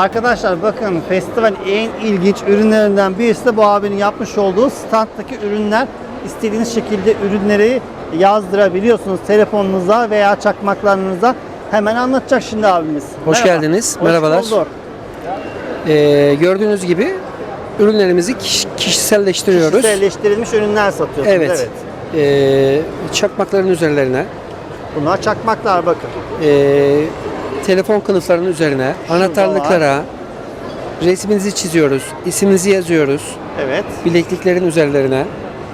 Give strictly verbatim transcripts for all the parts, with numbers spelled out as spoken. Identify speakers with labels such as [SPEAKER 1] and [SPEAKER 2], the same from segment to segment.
[SPEAKER 1] Arkadaşlar bakın, festival en ilginç ürünlerinden birisi de bu abinin yapmış olduğu standdaki ürünler. İstediğiniz şekilde ürünleri yazdırabiliyorsunuz telefonunuza veya çakmaklarınıza. Hemen anlatacak şimdi abimiz.
[SPEAKER 2] Hoş
[SPEAKER 1] Merhaba.
[SPEAKER 2] geldiniz.
[SPEAKER 1] Hoş
[SPEAKER 2] Merhabalar.
[SPEAKER 1] bulduk.
[SPEAKER 2] Ee, gördüğünüz gibi ürünlerimizi kiş- kişiselleştiriyoruz.
[SPEAKER 1] Kişiselleştirilmiş ürünler satıyorsunuz.
[SPEAKER 2] Evet. Ee, çakmakların üzerlerine,
[SPEAKER 1] Bunlar çakmaklar bakın.
[SPEAKER 2] ee, telefon kılıflarının üzerine, anahtarlıklara resminizi çiziyoruz, isminizi yazıyoruz.
[SPEAKER 1] Evet.
[SPEAKER 2] Bilekliklerin üzerlerine.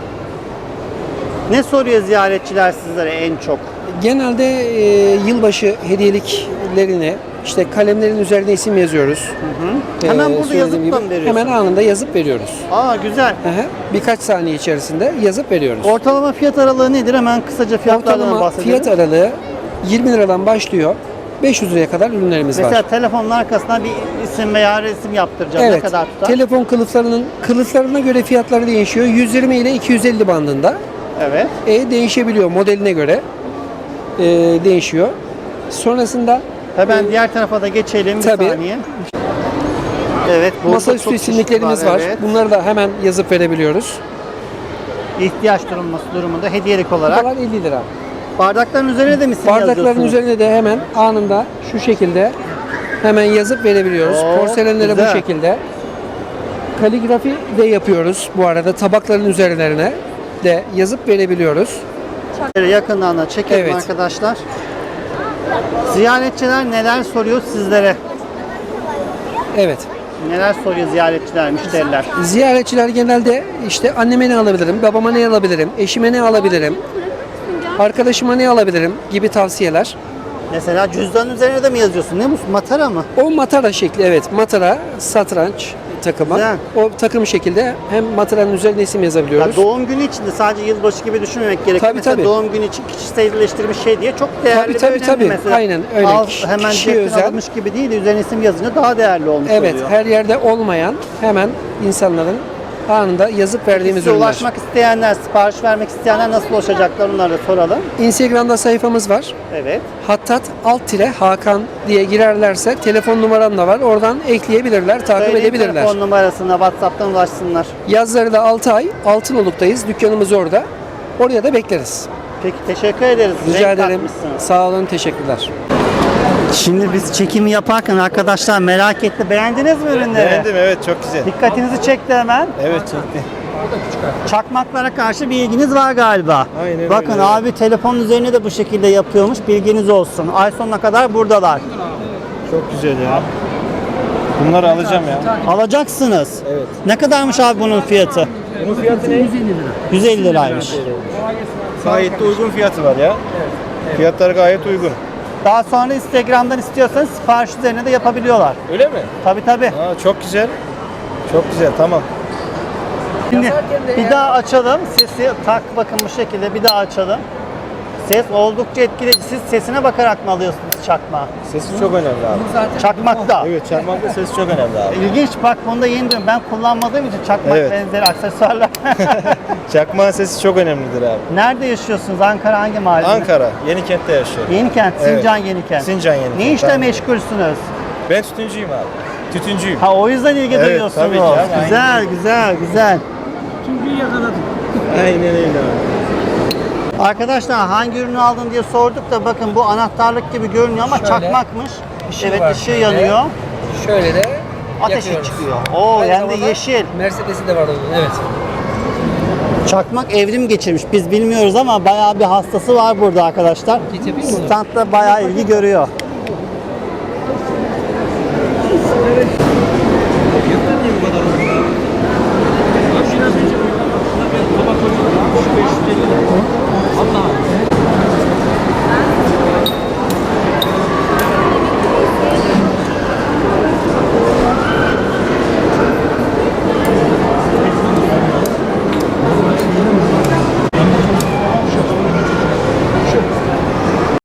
[SPEAKER 1] Ne soruyor ziyaretçiler sizlere en çok?
[SPEAKER 2] Genelde ee, yılbaşı hediyeliklerini, işte kalemlerin üzerine isim yazıyoruz.
[SPEAKER 1] Hı hı. Hemen burada
[SPEAKER 2] söylediğim
[SPEAKER 1] yazıp
[SPEAKER 2] gibi
[SPEAKER 1] da mı veriyorsun?
[SPEAKER 2] Hemen anında yazıp veriyoruz.
[SPEAKER 1] Aa, güzel.
[SPEAKER 2] Hı hı. Birkaç saniye içerisinde yazıp veriyoruz.
[SPEAKER 1] Ortalama fiyat aralığı nedir? Hemen kısaca fiyatlardan
[SPEAKER 2] Ortalama
[SPEAKER 1] bahsedelim.
[SPEAKER 2] fiyat aralığı yirmi liradan başlıyor. beş yüz liraya kadar ürünlerimiz
[SPEAKER 1] Mesela
[SPEAKER 2] var.
[SPEAKER 1] telefonun arkasına bir isim veya resim yaptıracağım.
[SPEAKER 2] Evet.
[SPEAKER 1] Ne kadar tutar?
[SPEAKER 2] Telefon kılıflarının kılıflarına göre fiyatları değişiyor. yüz yirmi ile iki yüz elli bandında.
[SPEAKER 1] Evet.
[SPEAKER 2] E, değişebiliyor modeline göre. E, değişiyor. Sonrasında
[SPEAKER 1] Hemen
[SPEAKER 2] e,
[SPEAKER 1] diğer tarafa da geçelim bir
[SPEAKER 2] tabii.
[SPEAKER 1] saniye. Evet. burada
[SPEAKER 2] masaüstü
[SPEAKER 1] çok
[SPEAKER 2] isimliklerimiz
[SPEAKER 1] çeşit
[SPEAKER 2] var.
[SPEAKER 1] Evet.
[SPEAKER 2] Bunları da hemen yazıp verebiliyoruz.
[SPEAKER 1] İhtiyaç durulması durumunda hediyelik olarak.
[SPEAKER 2] Bunlar elli lira.
[SPEAKER 1] Bardakların üzerine de mi isim
[SPEAKER 2] Bardakların
[SPEAKER 1] yazıyorsunuz?
[SPEAKER 2] üzerine de hemen anında şu şekilde hemen yazıp verebiliyoruz.
[SPEAKER 1] Oo,
[SPEAKER 2] Porselenlere bu
[SPEAKER 1] güzel.
[SPEAKER 2] şekilde. Kaligrafi de yapıyoruz bu arada. Tabakların üzerlerine de yazıp verebiliyoruz.
[SPEAKER 1] Şöyle yakından da çekelim
[SPEAKER 2] Evet.
[SPEAKER 1] arkadaşlar. Ziyaretçiler neler soruyor sizlere?
[SPEAKER 2] Evet.
[SPEAKER 1] Neler soruyor ziyaretçiler, müşteriler?
[SPEAKER 2] Ziyaretçiler genelde işte anneme ne alabilirim, babama ne alabilirim, eşime ne alabilirim, arkadaşıma ne alabilirim gibi tavsiyeler.
[SPEAKER 1] Mesela cüzdanın üzerine de mi yazıyorsun? Ne bu? Matara mı?
[SPEAKER 2] O matara şekli, evet, matara, satranç takımı.
[SPEAKER 1] Güzel.
[SPEAKER 2] O takım şekilde hem mataranın üzerine isim
[SPEAKER 1] Ya
[SPEAKER 2] yazabiliyoruz.
[SPEAKER 1] doğum günü için de sadece yılbaşı gibi düşünmemek gerekiyor.
[SPEAKER 2] Tabii,
[SPEAKER 1] Mesela
[SPEAKER 2] tabii.
[SPEAKER 1] doğum günü için kişiselleştirilmiş şey diye çok değerli
[SPEAKER 2] Tabii,
[SPEAKER 1] ve
[SPEAKER 2] tabii,
[SPEAKER 1] önemli
[SPEAKER 2] tabii.
[SPEAKER 1] mesela.
[SPEAKER 2] Aynen öyle.
[SPEAKER 1] Al,
[SPEAKER 2] Kişi-
[SPEAKER 1] hemen
[SPEAKER 2] kişiye
[SPEAKER 1] cepten
[SPEAKER 2] özel.
[SPEAKER 1] alınmış gibi değil de üzerine isim yazınca daha değerli olmuş
[SPEAKER 2] Evet,
[SPEAKER 1] oluyor.
[SPEAKER 2] her yerde olmayan hemen insanların anında yazıp verdiğimiz
[SPEAKER 1] Size
[SPEAKER 2] ürünler.
[SPEAKER 1] ulaşmak isteyenler, sipariş vermek isteyenler nasıl ulaşacaklar, onları da soralım.
[SPEAKER 2] Instagram'da sayfamız var.
[SPEAKER 1] Evet.
[SPEAKER 2] Hattat alt tire Hakan diye girerlerse telefon numaram da var. Oradan ekleyebilirler, takip
[SPEAKER 1] Söyleyin
[SPEAKER 2] edebilirler.
[SPEAKER 1] telefon numarasına, WhatsApp'tan ulaşsınlar.
[SPEAKER 2] Yazları da altı ay Altınoluk'tayız. Dükkanımız orada. Oraya da bekleriz.
[SPEAKER 1] Peki, teşekkür ederiz.
[SPEAKER 2] Rica
[SPEAKER 1] Renk
[SPEAKER 2] ederim.
[SPEAKER 1] katmışsınız.
[SPEAKER 2] Sağ olun, teşekkürler.
[SPEAKER 1] Şimdi biz çekimi yaparken arkadaşlar merak etti. Beğendiniz mi ürünleri?
[SPEAKER 3] Beğendim, evet, çok güzel.
[SPEAKER 1] Dikkatinizi çekti hemen.
[SPEAKER 3] Evet, çekti.
[SPEAKER 1] Çakmaklara karşı bir ilginiz var galiba.
[SPEAKER 3] Aynen
[SPEAKER 1] Bakın
[SPEAKER 3] öyle,
[SPEAKER 1] abi telefonun üzerine de bu şekilde yapıyormuş. Bilginiz olsun. Ay sonuna kadar buradalar.
[SPEAKER 3] Çok güzel ya. Bunları alacağım ya.
[SPEAKER 1] Alacaksınız.
[SPEAKER 3] Evet.
[SPEAKER 1] Ne kadarmış abi bunun fiyatı?
[SPEAKER 3] Bunun fiyatı ne?
[SPEAKER 1] yüz elli liraymış.
[SPEAKER 3] Gayet de uygun fiyatı var ya. Fiyatları gayet uygun.
[SPEAKER 1] Daha sonra Instagram'dan istiyorsanız sipariş üzerine de yapabiliyorlar.
[SPEAKER 3] Öyle mi?
[SPEAKER 1] Tabii tabii.
[SPEAKER 3] Aa, çok güzel. Çok güzel, tamam.
[SPEAKER 1] Şimdi bir daha açalım. Sesi tak, bakın bu şekilde bir daha açalım. Ses oldukça etkileyici. Siz sesine bakarak mı alıyorsunuz çakmağı?
[SPEAKER 3] Sesi çok önemli abi.
[SPEAKER 1] Çakmakta.
[SPEAKER 3] Evet, çarpmakta sesi çok önemli abi.
[SPEAKER 1] İlginç, bak bunu da yeni diyorum. Ben kullanmadığım için çakmak
[SPEAKER 3] Evet.
[SPEAKER 1] benzeri aksesuarlar.
[SPEAKER 3] Çakmağın sesi çok önemlidir abi.
[SPEAKER 1] Nerede yaşıyorsunuz? Ankara hangi mahallede?
[SPEAKER 3] Ankara, Yenikent'te yaşıyorum.
[SPEAKER 1] Yenikent,
[SPEAKER 3] Evet.
[SPEAKER 1] Sincan Yenikent.
[SPEAKER 3] Sincan Yenikent.
[SPEAKER 1] Ne işle
[SPEAKER 3] Tamam.
[SPEAKER 1] meşgulsünüz?
[SPEAKER 3] Ben tütüncüyüm abi. Tütüncüyüm.
[SPEAKER 1] Ha, o yüzden ilgi
[SPEAKER 3] Evet,
[SPEAKER 1] duyuyorsunuz.
[SPEAKER 3] tabii ki abi,
[SPEAKER 1] Güzel,
[SPEAKER 3] aynen.
[SPEAKER 1] güzel, güzel.
[SPEAKER 3] Aynen öyle abi.
[SPEAKER 1] Arkadaşlar hangi ürünü aldın diye sorduk da bakın bu anahtarlık gibi görünüyor ama
[SPEAKER 2] Şöyle,
[SPEAKER 1] çakmakmış.
[SPEAKER 2] ışığı
[SPEAKER 1] Evet,
[SPEAKER 2] var
[SPEAKER 1] ışığı
[SPEAKER 2] şöyle.
[SPEAKER 1] yanıyor.
[SPEAKER 2] Şöyle de
[SPEAKER 1] Ateşi
[SPEAKER 2] yakıyoruz.
[SPEAKER 1] çıkıyor. Oo,
[SPEAKER 2] Aynı
[SPEAKER 1] hem de
[SPEAKER 2] zamanda
[SPEAKER 1] yeşil.
[SPEAKER 2] Mercedes'i de var onun, evet.
[SPEAKER 1] Çakmak evrim geçirmiş. Biz bilmiyoruz ama bayağı bir hastası var burada arkadaşlar.
[SPEAKER 2] Git yapayım mı onu?
[SPEAKER 1] Standta bayağı ilgi görüyor.